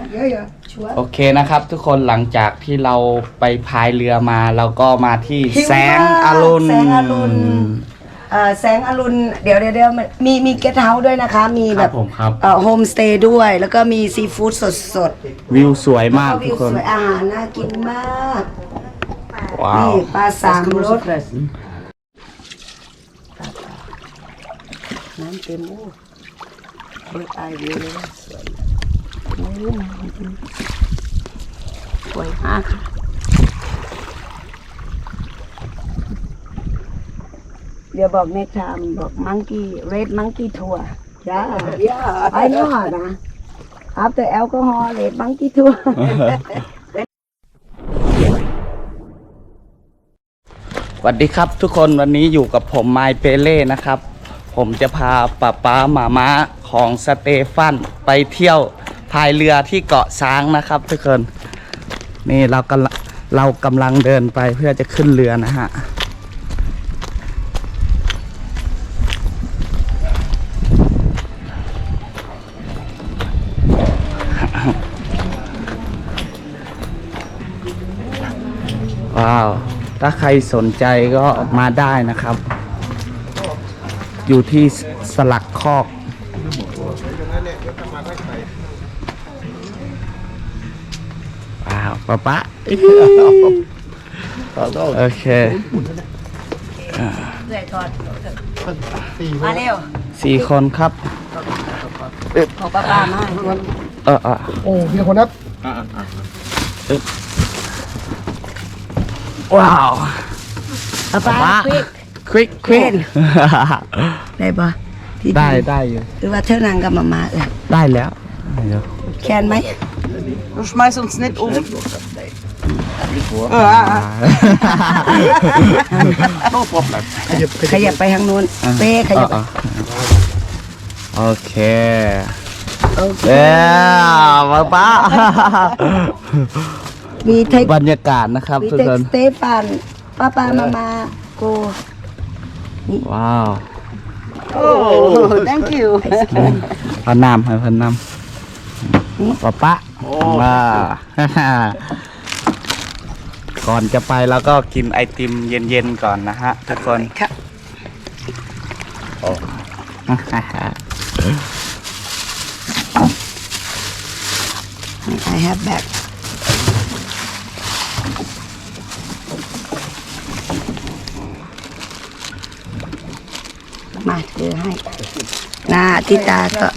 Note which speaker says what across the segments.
Speaker 1: โอเคนะครับทุกคนหลังจากที่เราไปพายเรือมาเราก็มาที่แสงอรุณ
Speaker 2: แสงอรุณเดี๋ยวมีเกสต์เฮาส์ด้วยนะคะมีแบบโฮมสเตย์ด้วยแล้วก็มีซีฟู้ดสด
Speaker 1: วิวสวยมากทุกคน
Speaker 2: อาหารน่ากินมาก
Speaker 1: ว้าว
Speaker 2: นี่ปลาสามรสน้ำเต็มมูเบิร์ดไอวิวเลยสวยสวยมากค่ะเดี๋ยวบอกเน็กไทม์บอกมังกี้เรดมังกี้ทัวร์ไอ้นี่หอนะ after alcohol red monkey tour
Speaker 1: สวัสดีครับทุกคนวันนี้อยู่กับผมไมเปเล่นะครับ ผมจะพาป๊าหมาม้าของสเตฟานไปเที่ยวพายเรือที่เกาะช้างนะครับทุกคนนี่เรากำลังเดินไปเพื่อจะขึ้นเรือนะฮะว้าวถ้าใครสนใจก็มาได้นะครับอยู่ที่สลักคอกว้าวป๊าโอเค
Speaker 2: เลยทอดมาเร็ว
Speaker 1: 4 คนครับ
Speaker 2: ขอป้ามา
Speaker 3: โอ้พี่คนนับ
Speaker 1: ว้าว
Speaker 2: ป้า
Speaker 1: ควิก
Speaker 2: ได้ปะ
Speaker 1: ได้อยู่
Speaker 2: หรือว่าเท่านางกับมา
Speaker 1: ได้แล้ว
Speaker 2: แคนไหม
Speaker 4: Du schmeißt uns nicht um.
Speaker 2: ขยับไปทางนู้นเป้ขยับ
Speaker 1: โอเคแล้วป๊า
Speaker 2: มีเทค
Speaker 1: บรรยากาศนะครับทุกคน
Speaker 2: สเตฟานป้ามาโก
Speaker 1: ว้าว
Speaker 4: Thank you.
Speaker 1: พันน้ำให้พันน้ำป๊าว้าก่อนจะไปแล้วก็กินไอติมเย็นๆก่อนนะฮะทุกคน
Speaker 2: ครับI have bagมาเจอให้นาทิตาก็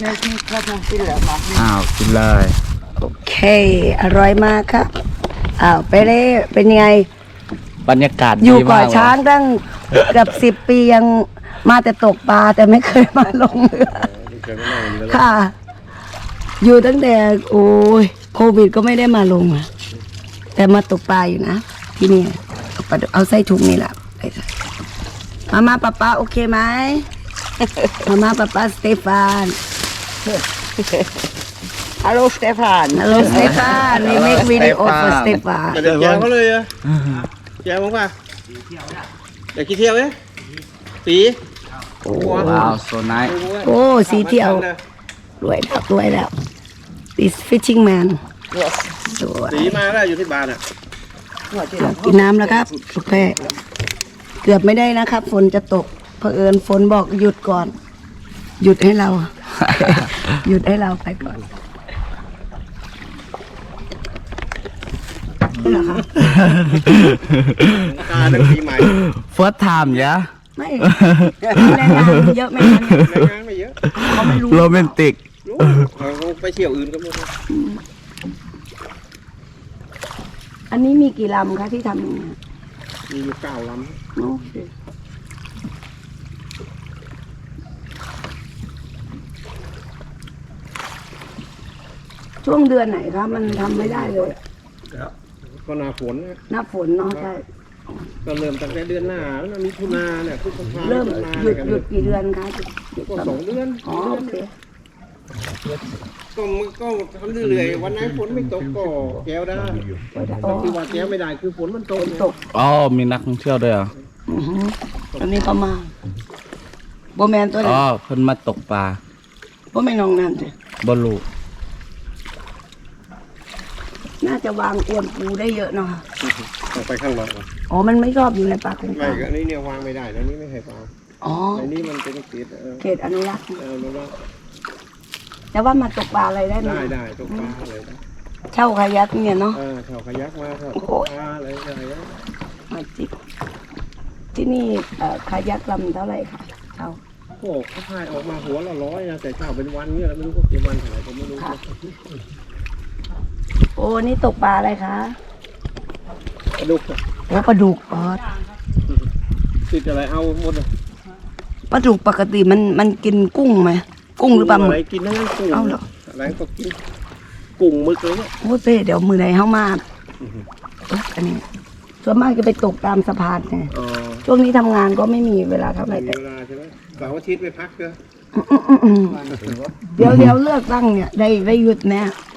Speaker 1: กินเลย
Speaker 2: โอเคอร่อยมากครับไปเลยเป็นยังไง
Speaker 1: บรรยากาศ
Speaker 2: อยู่เกาะช้างตั้งเกือบ10 ปียังมาแต่ตกปลาแต่ไม่เคยมาลงเรือค่ะอยู่ตั้งแต่โอ้ยโควิดก็ไม่ได้มาลงแต่มาตกปลาอยู่นะที่นี่เอาใส่ถุงนี่แหละมาป้าโอเคไหมมาป้าสเตฟาน
Speaker 4: Hallo Stefan.
Speaker 2: Hallo Stefan we make video for Stefan
Speaker 3: เดี๋ยวแย่เขาเลยอะแย่มั้งป่ะอยากกี่เที่ยวเนี่ยปี
Speaker 1: ว้าวโซนาย
Speaker 2: โอ้สีเที่ยวรวยแล้ว this fishing man
Speaker 3: สีมาแล้วอยู่ที่บ้านอ่ะ
Speaker 2: กินน้ำแล้วครับโอเคเกือบไม่ได้นะครับฝนจะตกเผอิญฝนบอกหยุดก่อนหยุดให้เรา หยุดให้เราไปก่อนนี่เหรอคะ
Speaker 3: การตั้งปีใหม่
Speaker 1: first time ยะ
Speaker 2: ไม่แรงงานเยอะไหมคะ
Speaker 3: แรงงานไม่เยอะ
Speaker 2: เขาไม่รู้
Speaker 1: โรแมนติก
Speaker 3: เขาไปเที่ยวอื่นก็ไม่รู้
Speaker 2: อันนี้มีกี่ลำคะที่ทำอย่างนี้
Speaker 3: มีอยู่9 ลำ
Speaker 2: โอเคช่วงเดือนไหนคะมันทำไม่ได้เลย
Speaker 3: ก็หน้าฝน
Speaker 2: หน้าฝนเนาะใช่
Speaker 3: ก็เริ่มตั้งแต่เดือนหน้าแล้วมีถุนาเนี่ยพฤษภา
Speaker 2: เริ่มหยุดกี่เดือนคะ
Speaker 3: ก็2 เดือน
Speaker 2: อ๋อโอเค
Speaker 3: ก็ทำเรื่อยๆวันไหนฝนไม่ตกก็แก้วได้ที่ว่าแก้วไม่ได้คือฝนมันตก
Speaker 1: อ๋อมีนักท่องเที่ยวด้วยเหรอ
Speaker 2: ตอนนี้ประมาณโบแมนตัวนี้
Speaker 1: อ๋อเพิ่นมาตกปลา
Speaker 2: โบแมนน้องนั่นสิ
Speaker 1: บลู
Speaker 2: น่าจะวางอวนปูได้เยอะเนาะ
Speaker 3: ออกไปข้างนอก
Speaker 2: อ๋อมันไม่ชอบอยู่ในปลากุ้ง
Speaker 3: ไม่ก็อันนี้เนี่ยวางไม่ได้แล้วนี่ไม่ให้วาง
Speaker 2: อ๋อ
Speaker 3: อันนี้มันเป็นเกล็ด
Speaker 2: เขตอนุรักษ์
Speaker 3: รู้ว่า
Speaker 2: แต่ว่ามาตกปลาอะไรได้ไหม
Speaker 3: ได้ตกปลาอะไรนะ
Speaker 2: เช่าคายักเนี่ยเนาะ
Speaker 3: เช่าขยักมาเช่าตกปลาอะไรนะ
Speaker 2: มาจิบที่นี่คายักลำเท่าไหร่คะเช่า
Speaker 3: โอ้เขาพายออกมาหัวละ100นะแต่เช่าเป็นวันเนี่ยไม่รู้ว่ากี่วันเท่าไหร่ผมไม่รู้
Speaker 2: โอ้นี่ตกปลาอะไรคะ
Speaker 3: กระดูก
Speaker 2: โอ้ปลาดุกอ๋อ
Speaker 3: ติดอะไรเอาหมดเลย
Speaker 2: ปลาดุกปกติมันกินกุ้งไหมกุ้งหรือปลาหมึ
Speaker 3: อะไร
Speaker 2: ก
Speaker 3: กินทั้งนั้นกุ้ง
Speaker 2: เอาเหรอ
Speaker 3: อะไรก็กินกุ้งหมึกเลยเนี่ย
Speaker 2: โอ้เต้เดี๋ยวมือไหนเข้ามาอันนี้ส่วนมากจะไปตกตามสะพานไง
Speaker 3: อ๋อ
Speaker 2: ช่วงนี้ทำงานก็ไม่มีเวลาเท่าไหร่
Speaker 3: มี
Speaker 2: แต่
Speaker 3: เวลาใช่ไหมเสาร์อาทิตย์ไปพักเถอะ
Speaker 2: เดี๋ยวเลือกตั้งเนี่ยได้หยุดแน่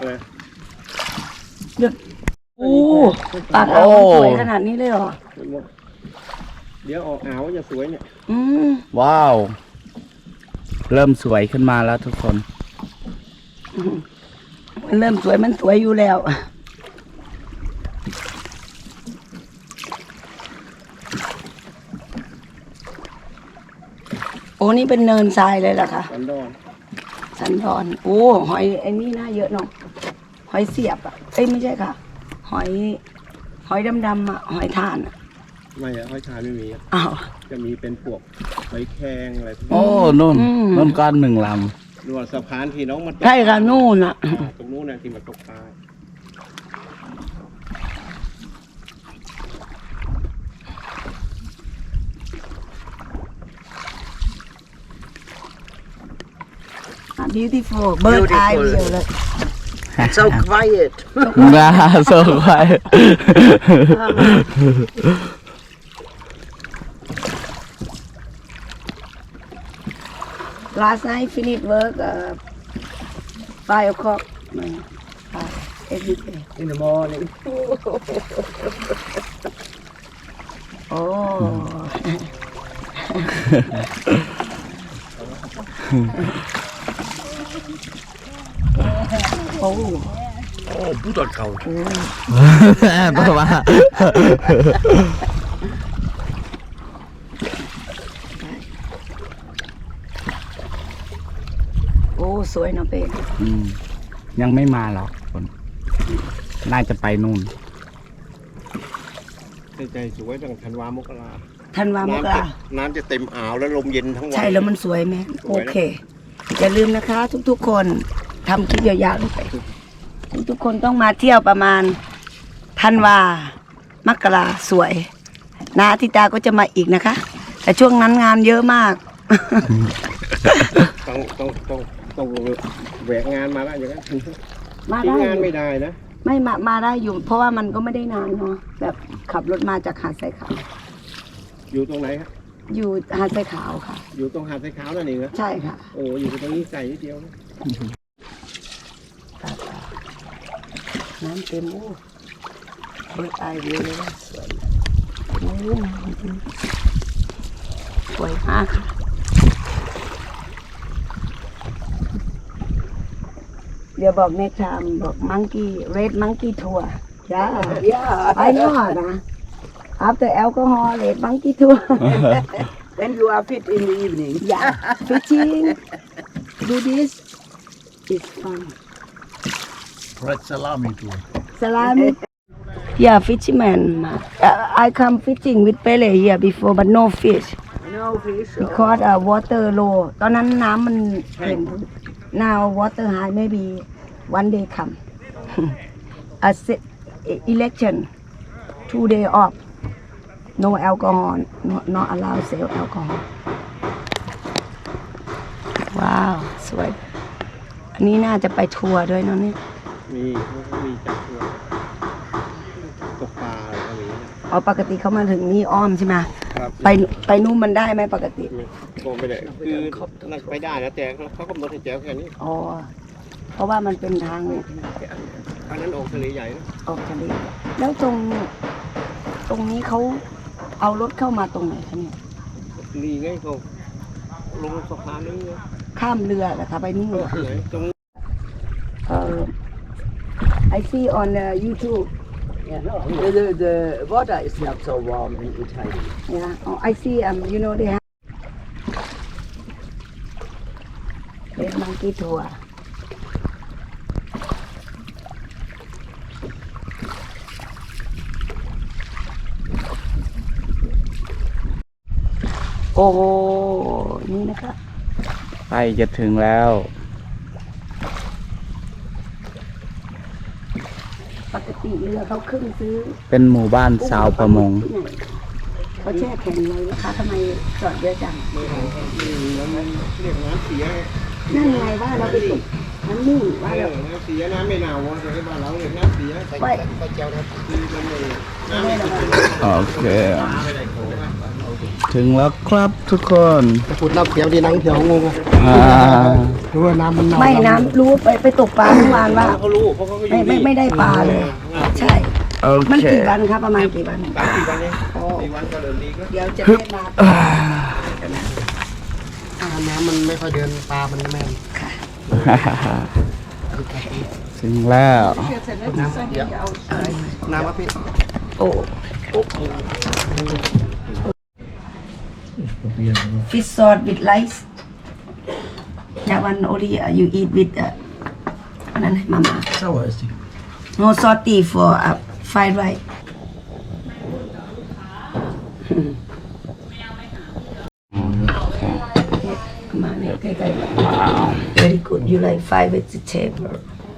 Speaker 2: หยุดโอ้ปากอ่าวสวยขนาดนี้เลยเหรอ
Speaker 3: เดี๋ยวออกอ่าวจะสวยเนี่ย
Speaker 2: อืม
Speaker 1: ว้าว เริ่มสวยขึ้นมาแล้วทุกคน
Speaker 2: มันเริ่มสวยมันสวยอยู่แล้วโอ้นี่เป็นเนินทรายเลยเหรอคะ
Speaker 3: สันดอน
Speaker 2: สันดอนโอ้หอยไอ้นี่น่าเยอะเนาะหอยเสียบอ่ะเอ้ยไม่ใช่ค่ะ หอยดำๆอ่ะหอยทานอ่ะ
Speaker 3: ไม่อะห้อยชายไม่มีอะ
Speaker 2: อ้าว
Speaker 3: จะมีเป็นพวกหอยแครงอะไรพวก
Speaker 1: โอ้
Speaker 3: นี้
Speaker 1: นุ่น
Speaker 2: อืม
Speaker 1: นุ่นก้อนหนึ่งล
Speaker 3: นวดสะพานที่น้องมันตก
Speaker 2: ใช่ค่ะนู่นอ่ะ
Speaker 3: ตรงนู้นนะที่มันตกปลา
Speaker 2: beautiful bird eye view เลย
Speaker 4: So quiet.
Speaker 1: ำน่าสวย
Speaker 2: last night finish work 5 o'clock every day
Speaker 4: In the morning.
Speaker 2: โอ้ โอ้
Speaker 4: Oh, Butterkraut.
Speaker 1: เพราะว่า
Speaker 2: โอ้สวยเนาะเป้
Speaker 1: อืมยังไม่มาหรอกคนน่าจะไปนู่น
Speaker 3: ใจสวยตั้งธันวามกรา
Speaker 2: ธันวามกรา
Speaker 3: น้ำจะเต็มอ่าวแล้วลมเย็นทั้งวัน
Speaker 2: ใช่แล้วมันสวยไหม
Speaker 3: ส
Speaker 2: โอ
Speaker 3: วยนะ
Speaker 2: เค อย่าลืมนะคะ ทุกๆคนทำคลิปยาวๆลงไป ทุกๆคนต้องมาเที่ยวประมาณธันวามกราสวยนาทิตาก็จะมาอีกนะคะ แต่ช่วงนั้นงานเยอะมาก
Speaker 3: ต้องแหวกงานมาแล้วอย่างนั้น
Speaker 2: มา
Speaker 3: ทิ้ง
Speaker 2: ได้
Speaker 3: งานไม่ได้นะ
Speaker 2: ไม่มาได้อยู่ เพราะว่ามันก็ไม่ได้นานเนาะแบบขับรถมาจากหาดทรายขาว
Speaker 3: อยู่ตรงไหนครับ
Speaker 2: อยู่หาดทรายขาวค่ะ
Speaker 3: อยู่ตรงหาดทรายขาวนั่นเองนะ
Speaker 2: ใช่ค่ะ
Speaker 3: โอ้อยู่ตรงนี้ไกลนิดเดียวนะ
Speaker 2: น้ำเต็มโอ้เบิร์ดไอวิวเลยนะสวยโอ้สวยมากค่ะเดี๋ยวบอก next time บอก monkey red monkey tour จ้า
Speaker 4: Yeah.
Speaker 2: ไปนอดนะ after alcohol red monkey tour
Speaker 4: When you are fit in the evening.
Speaker 2: yeah fishing do this it's fun
Speaker 5: Red salami too.
Speaker 2: salami yeah fisherman I come fishing with Pele here before but no fish
Speaker 4: No fish.
Speaker 2: because water low ตอนนั้นน้ำมันเต็ม now water high maybe one day come election 2 day off no alcohol not allow sell alcohol ว้าว สวย อันนี้น่าจะไปทัวร์ด้วยเนาะเนี่ย
Speaker 3: มีจัดตัวตกปลาอะไรก็มีนะ
Speaker 2: อ๋อปกติเขามาถึงนี่อ้อมใช่ไหม
Speaker 3: ครับ
Speaker 2: ไปนู่นมันได้ไหมปกติ
Speaker 3: ก็ไม่ได้คือนั่นไปได้นะแต่เขากำหนดให้แจ๋วแค่นี้
Speaker 2: อ๋อ เพราะว่ามันเป็นทาง
Speaker 3: อันนั้นออกทะเลใหญ่นะ
Speaker 2: ออกทะเลแล้วตรงนี้เขาเอารถเข้ามาตรงไหนคะเนี่ย
Speaker 3: นี่ไงเขาลงสะพานนี้ไง
Speaker 2: ข้ามเรือเหรอคะไปนี่เหรอ
Speaker 3: ไหนตรง
Speaker 2: I I see on YouTube.
Speaker 4: Yeah, no, the water is not so warm in Italy.
Speaker 2: Yeah. Oh, I see. You know they have monkey tour.โอ้นี่นะคะ
Speaker 1: ใกล้จะถึงแล้ว
Speaker 2: ปกติเรือเขาขึ้นซื้อ
Speaker 1: เป็นหมู่บ้านชาวประมง
Speaker 2: ที่ไหนเขาแช่แข็งเลยนะคะทำไมจอดเยอะจัง
Speaker 3: แล้วมันเรียกน้ำเสีย
Speaker 2: นั่นไงว่าเราไปตกน้ำนิ่งว่าเรา
Speaker 3: น้ำเสียน้ำไม่หนาวแต่ในบ้านเราเรียกน้ำเสีย
Speaker 2: ไป
Speaker 3: น้ำไม่
Speaker 1: โอเค ถึงแล้วครับทุกคน
Speaker 3: พูดน้ำเสียดีนังเถียวงง
Speaker 1: อ่า
Speaker 3: รู้ว่าน้ำมันหนาว
Speaker 2: ไม่น้ำรู้ไปตกปลาเมื่อวานว่า
Speaker 3: เขารู้เพราะเขาก็อยู่
Speaker 2: ไม่ได้ปลาเลย ใช่
Speaker 1: โอ
Speaker 2: มัน
Speaker 1: เค
Speaker 2: กี่วันครับประมาณกี่วัน
Speaker 3: กี่วันเองกี่วันก็เดินดีก็
Speaker 2: เดี๋ยวจะได้มา
Speaker 3: น้ำมันไม่ค่อยเดินปลามันแม่น
Speaker 1: ถึงแล้ว
Speaker 3: น้ำเสียน้ำมะพริก
Speaker 2: โอ้fish sauce with rice that one only you eat with อันนั้นมาม่า
Speaker 5: Sauer ist die.
Speaker 2: no salty for fried rice มาเนี่ยใกล้ๆ very good you like fried vegetable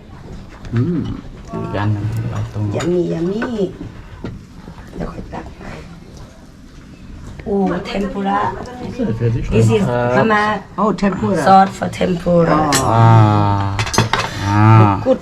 Speaker 1: อีกอันหนึงเอาตรงนี้
Speaker 2: yummy เดี๋ยวค่อยตักไปโอ้ tempura
Speaker 5: Fertig.
Speaker 2: this is มาม่า
Speaker 4: Oh, tempura.
Speaker 2: sauce for tempura good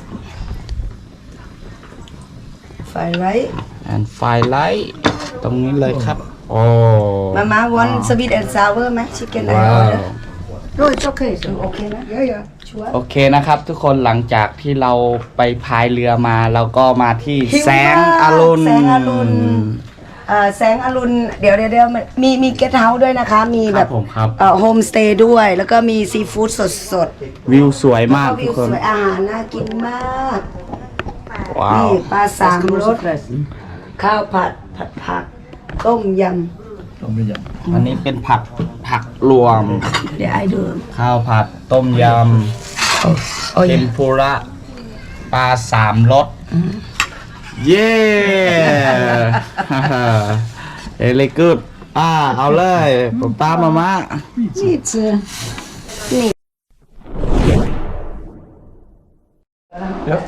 Speaker 2: fried rice
Speaker 1: and fry light ตรงนี้เลยครับ โอ้
Speaker 2: มาม่า want sweet and sour ไหม chicken I
Speaker 1: ว้าว
Speaker 2: order no it's okay so okay นะ yeah sure
Speaker 1: โอเคนะครับทุกคนหลังจากที่เราไปพายเรือมาเราก็มาที่
Speaker 2: หิวมาก
Speaker 1: แสงอรุณ
Speaker 2: แสงอรุณ แสงอรุณเดี๋ยวมีเกสต์เฮาส์ด้วยนะคะ มี
Speaker 1: ค
Speaker 2: แบ
Speaker 1: รับบ ผมครับ
Speaker 2: โฮมสเตย์ด้วย แล้วก็มีซีฟู้ดสด
Speaker 1: วิวสวย
Speaker 2: ๆ
Speaker 1: มาก
Speaker 2: แล้ว
Speaker 1: ทุก
Speaker 2: วิว
Speaker 1: คน
Speaker 2: สวยอาหารน่ากินมาก
Speaker 1: ว้าว
Speaker 2: นี่ปลาสามรส
Speaker 4: Fressen.
Speaker 2: ข้าวผัดผัก ต้มย
Speaker 5: Komm wieder.
Speaker 1: อันนี้เป็นผักรวม
Speaker 2: ำเดี๋ยวไอ้ดู
Speaker 1: ข้าวผัดต้มย
Speaker 2: โอ้
Speaker 1: ำ
Speaker 2: ย
Speaker 1: เทมปุระปลาสามรสเย้ เอเลกูดเอาเลยป้ามาม่า
Speaker 2: นี่เจอนี่
Speaker 5: Ja.